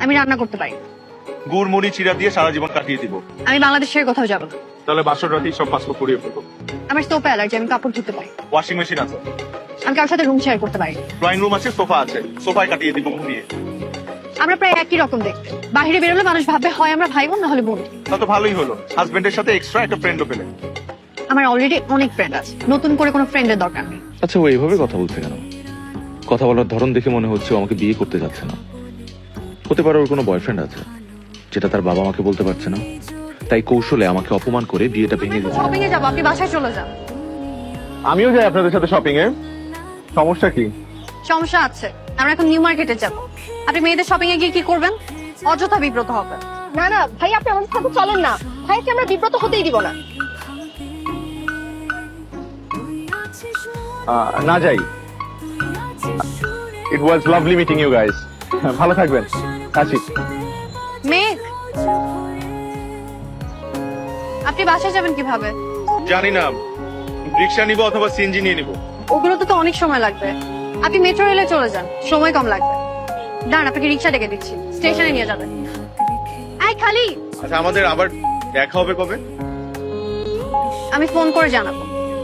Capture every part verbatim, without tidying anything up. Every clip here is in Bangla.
আমি রান্না করতে পারি। গুড় মুড়ি চিরা দিয়ে সারা জীবন কাটিয়ে দিব। আমি বাংলাদেশের কোথাও যাব না। তাহলে বাসর রাতেই সব পাসপোর্ট করিয়ে ফেলবো। আমার সোফা অ্যালার্জি, আমি কাপড় ধুতে পারি। ওয়াশিং মেশিন আছে। আমি কারোর সাথে রুম শেয়ার করতে পারি। ড্রয়িং রুম আছে, সোফা আছে, সোফায় কাটিয়ে দিব ঘুমিয়ে। আমরা প্রায় একই রকম দেখতে। বাইরে বেরোলে মানুষ ভাবে হয় আমরা ভাই বোন না হলে বোন। তা তো ভালোই হলো, হাজবেন্ডের সাথে এক্সট্রা একটা ফ্রেন্ডও পেলে। আমার অলরেডি অনেক ফ্রেন্ড আছে, নতুন করে কোনো ফ্রেন্ডের দরকার নেই। আচ্ছা, ও এইভাবে কথা বলছে কেন? কথা বলার ধরন দেখে মনে হচ্ছে ও আমাকে বিয়ে করতে যাচ্ছে না। হতে পারে ওর কোনো বয়ফ্রেন্ড আছে, যেটা তার বাবা আমাকে বলতে পারছে না, তাই কৌশলে আমাকে অপমান করে বিয়েটা ভেঙে দিচ্ছে। শপিং এ যাবো, আপনি বাসায় চলে যান। আমিও যাই আপনাদের সাথে শপিং এ। সমস্যা কি? সমস্যা আছে, আমরা এখন নিউ মার্কেটে যাব। আপনি মেয়েদের শপিং এ গিয়ে কি করবেন? অযথা বিব্রত হবেন। না না ভাই, আপনি আমাদের সাথে চলেন না। ভাইকে আমরা বিব্রত হতেই দিব না। না যাই। It was lovely meeting you guys. ভালো থাকবেন। আসি। মেঘ, আপনি বাসায় যাবেন কিভাবে? জানি না, রিক্সা নিব অথবা সিএনজি নিয়ে নিব। ওগুলোতে তো অনেক সময় লাগবে। আপনি মেট্রো রেলে চলে যান, সময় কম লাগবে। দাঁড়ান, আপনাকে রিক্সা ডেকে দিচ্ছি, স্টেশনে নিয়ে যাবেন। এই খালি, আচ্ছা, আমাদের আবার দেখা হবে কবে? আমি ফোন করে জানাবো।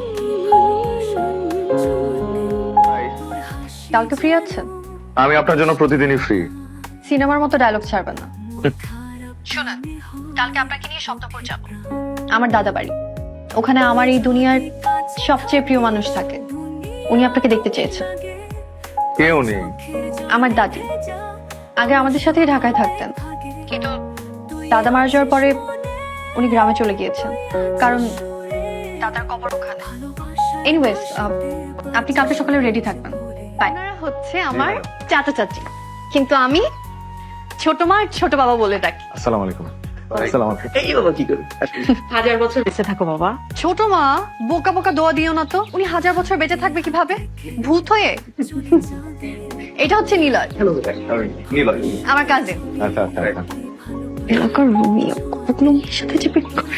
কালকে ফ্রি আছেন? আমি আপনার জন্য প্রতিদিনই ফ্রি। সিনেমার মতো ডায়লগ ছাড়বেন না। শুনুন, কালকে আপনাকে নিয়ে সপ্তপুর যাব, আমার দাদা বাড়ি। ওখানে আমার এই দুনিয়ার সবচেয়ে প্রিয় মানুষ থাকে। উনি আপনাকে দেখতে চেয়েছেন। কেউ নেই। আমার দাদি আগে আমাদের সাথেই ঢাকায় থাকতেন, কিন্তু দাদা মারা যাওয়ার পরে উনি গ্রামে চলে গিয়েছেন, কারণ দাদার কবর ওখানে। এনিওয়েজ, আপনি কালকে সকালে রেডি থাকবেন। আপনারা হচ্ছে আমার চাচা চাচি, কিন্তু আমি ছোট মা আর ছোট বাবা বলে ডাকি। আসসালামু আলাইকুম। আসসালামু আলাইকুম। এই বাবা কি করে? হাজার বছর বেঁচে থাকো বাবা। ছোট মা, বোকা বোকা দোয়া দিও না তো। উনি হাজার বছর বেঁচে থাকবে কিভাবে, ভূত হয়ে? এটা হচ্ছে নীলয়, নীলয়। আমার কাজিন। আচ্ছা আচ্ছা আচ্ছা। এলাকার রোমিও কতগুলো মেয়ের সাথে চেপে করে।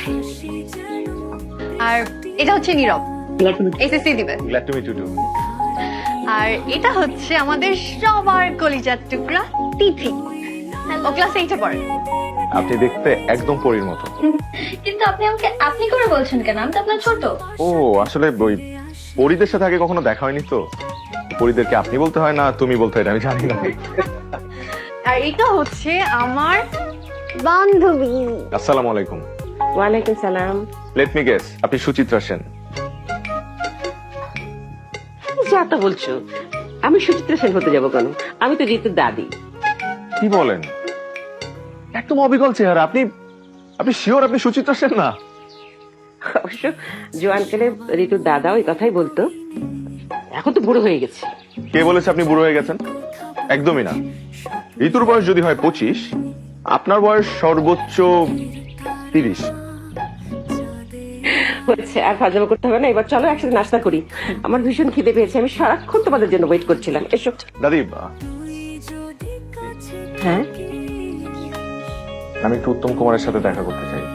আর এটা হচ্ছে নীরব, এসএসসি দিবে। Glad to meet you too. আর এটা হচ্ছে আমাদের সবার কলিজার টুকরা তিথি। ও ক্লাস এইটে পড়ে। আপনি দেখতে একদম পরীর মতো। কিন্তু আপনি আমাকে আপনি করে বলছেন কেন? আমি তো আপনার ছোট। ও, আসলে ওই পরীদের সাথে আগে কখনো দেখা হয়নি তো। পরীদেরকে আপনি বলতে হয় না তুমি বলতে হয়, আমি জানি না। আর এটা হচ্ছে আমার বান্ধবী। আসসালামু আলাইকুম। ওয়ালাইকুম সালাম। লেট মি গেস, আপনি সুচিত্রা সেন। যা তা বলছো, আমি সুচিত্রা সেন হতে যাবো কেন? আমি তো ঋতুর দাদি। কি বলেন? একদম অবিকল চেহারা। আপনি আপনি শিওর আপনি সুচিত্রা সেন না? অবশ্য জোয়ানকালে ঋতুর দাদা ওই কথাই বলতো। এখন তো বুড়ো হয়ে গেছে। কে বলেছে আপনি বুড়ো হয়ে গেছেন? একদমই না। ঋতুর বয়স যদি হয় পঁচিশ, আপনার বয়স সর্বোচ্চ তিরিশ। হচ্ছে, আর ফাজলামো করতে হবে না। এবার চলো একসাথে নাস্তা করি। আমার ভীষণ খিদে পেয়েছে, আমি সারাক্ষণ তোমাদের জন্য ওয়েট করছিলাম। এসো। দাদি, হ্যাঁ, আমি একটু উত্তম কুমারের সাথে দেখা করতে চাই।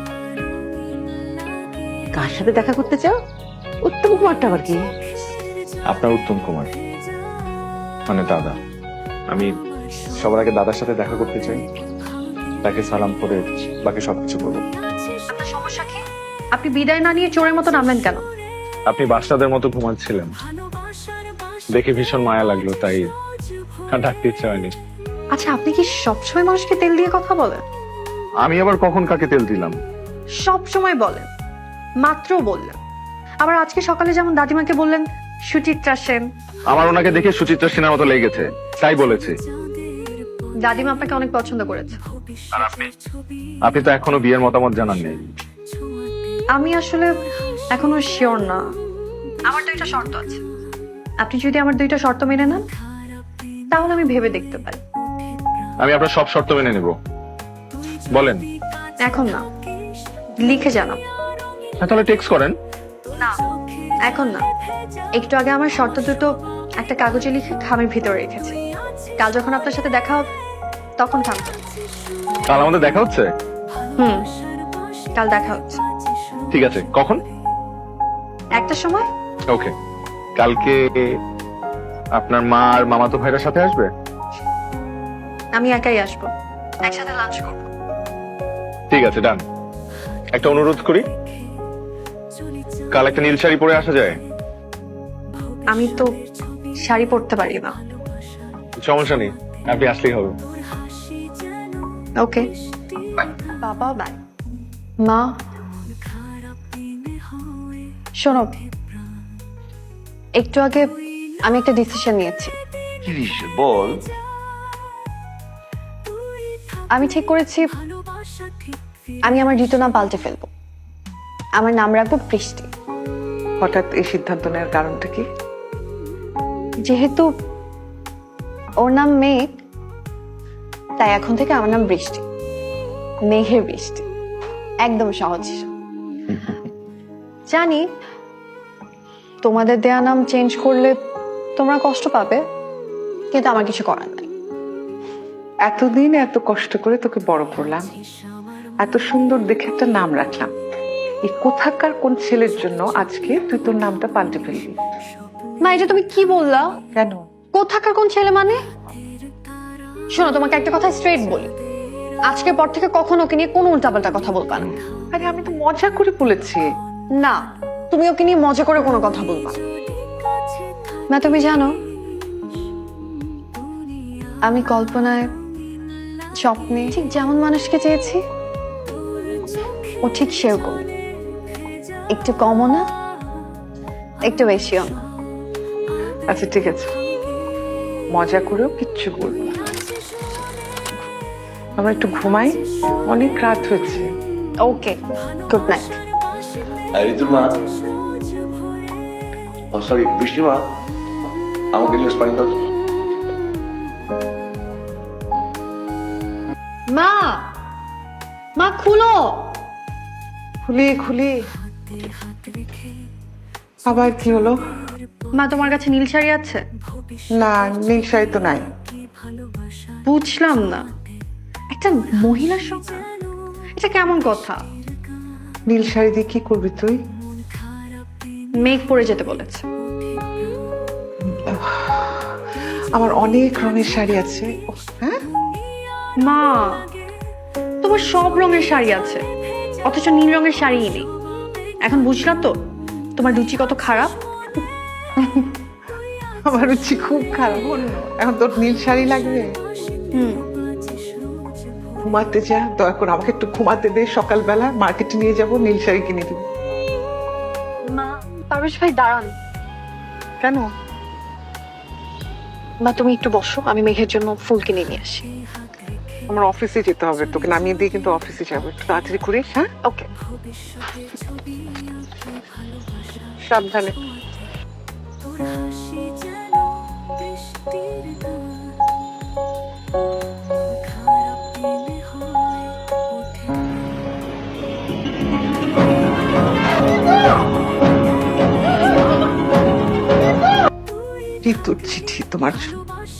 কার সাথে দেখা করতে চাও? উত্তম কুমারটা আবার কি? আপনার উত্তম কুমার, মানে দাদা। আমি সবার আগে দাদার সাথে দেখা করতে চাই, তাকে সালাম করে বাকি সবকিছু করবো। আপনার সমস্যা কি? আপনি বিদায় না নিয়ে চোরের মতো নামলেন কেন? আপনি বাচ্চাদের মতো ঘুমাচ্ছিলেন, দেখে ভীষণ মায়া লাগলো, তাই ডাকতে ইচ্ছা হয়নি। আচ্ছা, আপনি কি সবসময় মানুষকে তেল দিয়ে কথা বলেন? আমি আবার কখন কাকে তেল দিলাম? সব সময় বলেন, মাত্র বললেন। আবার আজকে সকালে যেমন দাদিমাকে বললেন সুচিত্রা সেন। আমার ওনাকে দেখে সুচিত্রা সেনের মতো লেগেছে, তাই বলেছি। দাদিমা আপনাকে অনেক পছন্দ করেছে। আর আপনি? আপনি তো এখনো বিয়ের মতামত জানাননি। আমি আসলে এখনো শিওর না। আমার দুইটা শর্ত আছে। আপনি যদি আমার দুইটা শর্ত মেনে নেন, তাহলে আমি ভেবে দেখতে পারি। আমি আপনার সব শর্ত মেনে নেব, বলেন। এখন না, লিখে জানাবো। হ্যাঁ, তাহলে টেক্সট করেন। না, এখন না। একটু আগে আমার শর্ত দুটো একটা কাগজে লিখে খামের ভিতরে রেখেছি। কাল যখন আপনার সাথে দেখা হবে তখন থামবে। কাল আমাদের দেখা হচ্ছে? হুম, কাল দেখা হচ্ছে। ঠিক আছে, কখন? একটা সময়। ওকে। কালকে আপনার মা আর মামাতো ভাইরা সাথে আসবে? আমি একাই আসবো। একসাথে লাঞ্চ করবো। ঠিক আছে, ডান। একটা অনুরোধ করি, কাল একটা নীল শাড়ি পরে আসা যায়? আমি তো শাড়ি পরতে পারি না। সমস্যা নেই, আপনি আসলেই হবে। ওকে বাবা, বাই। মা শোনো, একটু আগে আমি একটা ডিসিশন নিয়েছি। কি দিচ্ছে বল? আমি ঠিক করেছি আমি আমার ঋতু নাম পাল্টে ফেলবো। আমার নাম রাখবো বৃষ্টি। হঠাৎ এই সিদ্ধান্ত নেওয়ার কারণটা কি? যেহেতু ওর নাম মেঘ, তাই এখন থেকে আমার নাম বৃষ্টি, মেঘের বৃষ্টি। একদম সহজ। জানি তোমাদের দেয়া নাম চেঞ্জ করলে তোমরা কষ্ট পাবে, কিন্তু আমার কিছু করার নাই। এতদিন এত কষ্ট করে তোকে বড় করলাম, এত সুন্দর দেখে একটা নাম রাখলাম, এই কোথাকার কোন ছেলের জন্য আজকে তুই তোর নামটা পাল্টে ফেলবি? মা, এটা তুমি কি বললা? কেন? কোথাকার কোন ছেলে মানে? শোনো, তোমাকে একটা কথা স্ট্রেট বলি, আজকের পর থেকে কখনো ওকে নিয়ে কোনো উল্টাপাল্টা কথা বলবা না। আরে আমি তো মজা করে বলেছি। না, তুমি ওকে নিয়ে মজা করে কোনো কথা বলবা না। তুমি জানো আমি কল্পনায়, স্বপ্নে ঠিক যেমন মানুষকে চেয়েছি, ও ঠিক সেরকম। একটু কমও না, একটু বেশিও না। আচ্ছা ঠিক আছে, মজা করেও কিচ্ছু বলবো না। আমরা একটু ঘুমাই, অনেক রাত হয়েছে। ওকে, গুড নাইট। আর ঋতুর মা, ও সরি বৃষ্টি মা, আমাকে গ্লাস পানি দাও। মা, মা খুলো। খুলি খুলি। আবার কি হলো? মা, তোমার কাছে নীল শাড়ি আছে? না, নীল শাড়ি তো নাই। বুঝলাম না, একটা মহিলার সঙ্গে এটা কেমন কথা? নীল শাড়ি দিয়ে কি করবি তুই? মেঘ পরে যেতে বলেছে। আমার অনেক রঙের শাড়ি আছে। ওহ, হ্যাঁ মা, তোমার সব রঙের শাড়ি আছে, অথচ নীল রঙের শাড়িই নেই। এখন বুঝলাম তো তোমার রুচি কত খারাপ। আমার রুচি খুব খারাপ। এখন তোর নীল শাড়ি লাগবে? হুম, ঘুমাতে যা, দয়া করে আমাকে একটু ঘুমাতে দে। সকালবেলা মার্কেটে নিয়ে যাব, নীল শাড়ি কিনে দিব। মা, পারভেজ ভাই দাঁড়ান। কেন? মা, তুমি একটু বসো, আমি মেঘের জন্য ফুল কিনে নিয়ে আসি। আমার অফিসে যেতে হবে, তোকে নামিয়ে দিয়ে কিন্তু অফিসে যাবো। একটু তাড়াতাড়ি করিস। হ্যাঁ, ওকে। সাবধানে। ঋতুর চিঠি তোমার জন্য।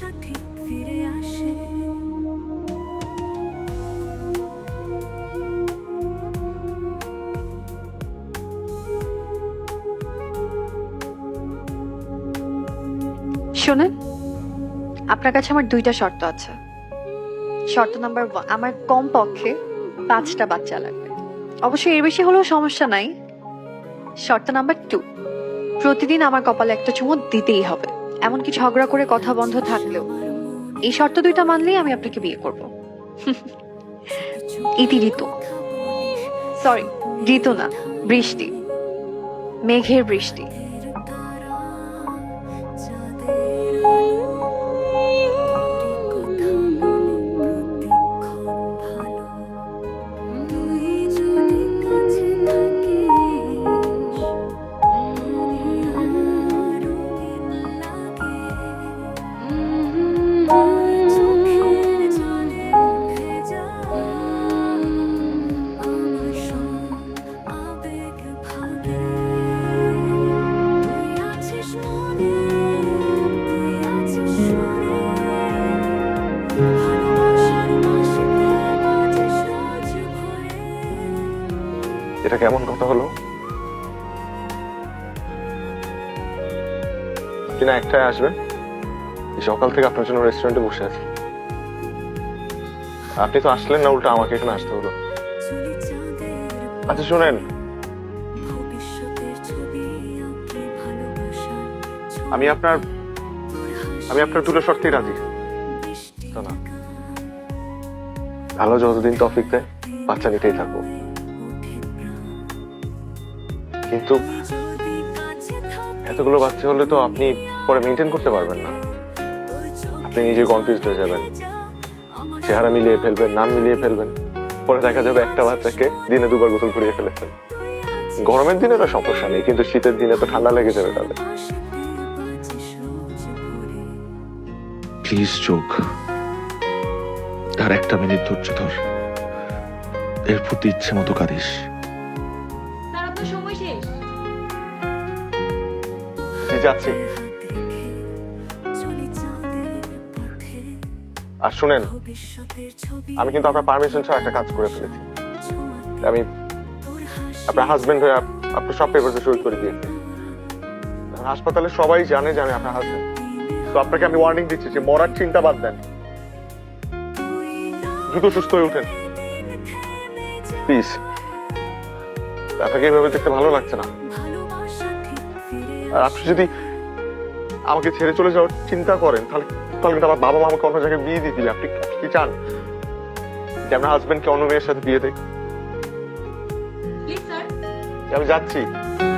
শোনেন, আপনার কাছে আমার দুইটা শর্ত আছে। শর্ত নাম্বার ওয়ান, আমার কম পক্ষে পাঁচটা বাচ্চা লাগবে, অবশ্যই এর বেশি হলেও সমস্যা নাই। শর্ত নাম্বার টু, প্রতিদিন আমার কপালে একটা চুমু দিতেই হবে, এমনকি ঝগড়া করে কথা বন্ধ থাকলেও। এই শর্ত দুইটা মানলেই আমি আপনাকে বিয়ে করব। ইতি ঋতু, সরি ঋতু না, বৃষ্টি, মেঘের বৃষ্টি। এটা কেমন কথা হলো কিনা একটাই আসবেন? এই সকাল থেকে আপনার জন্য রেস্টুরেন্টে বসে আছি। আপনি তো আসলেন না, উল্টা আমাকে এখানে আসতে হলো। আচ্ছা শুনেন, আমি আপনার আমি আপনার দুটো শর্তেই রাজি। তো না, ভালো যতদিন তৌফিক দেয় বাচ্চা নিতেই থাকবো, কিন্তু এতগুলো বাচ্চা হলে তো আপনি পরে মেনটেন করতে পারবেন না। আপনি নিজে কনফিউজড হয়ে যাবেন, চেহারা মিলিয়ে ফেলবেন, নাম মিলিয়ে ফেলবেন, পরে দেখা যাবে একটা বাচ্চাকে দিনে দুবার গোসল করিয়ে ফেলেছেন। গরমের দিনে তো সমস্যা নেই, কিন্তু শীতের দিনে তো ঠান্ডা লেগে যাবে তাহলে। প্লিজ চোখ, আর একটা মিনিট ধৈর্য ধর, এরপর তুই ইচ্ছে মতো কাঁদিস। জি, যাচ্ছি। আর শুনেন, আমি কিন্তু আপনার পারমিশন ছাড়া একটা কাজ করে ফেলেছি। আমি আপনার হাজবেন্ড হয়ে আপ- আপনার সব পেপারসে সই করে দিয়েছি। হাসপাতালে সবাই জানে যে আমি আপনার হাজবেন্ড। তো আপনাকে আমি ওয়ার্নিং দিচ্ছি যে মরার চিন্তা বাদ দেন, দ্রুত সুস্থ হয়ে উঠেন প্লিজ। আপনাকে এইভাবে দেখতে ভালো লাগছে না। আর আপনি যদি আমাকে ছেড়ে চলে যাওয়ার চিন্তা করেন, তাহলে তাহলে কিন্তু আমার বাবা মা আমাকে অন্য জায়গায় বিয়ে দিয়ে দিবে। আপনি কি চান যে আপনার হাজবেন্ডকে অন্য মেয়ের সাথে বিয়ে দেয়? আমি যাচ্ছি।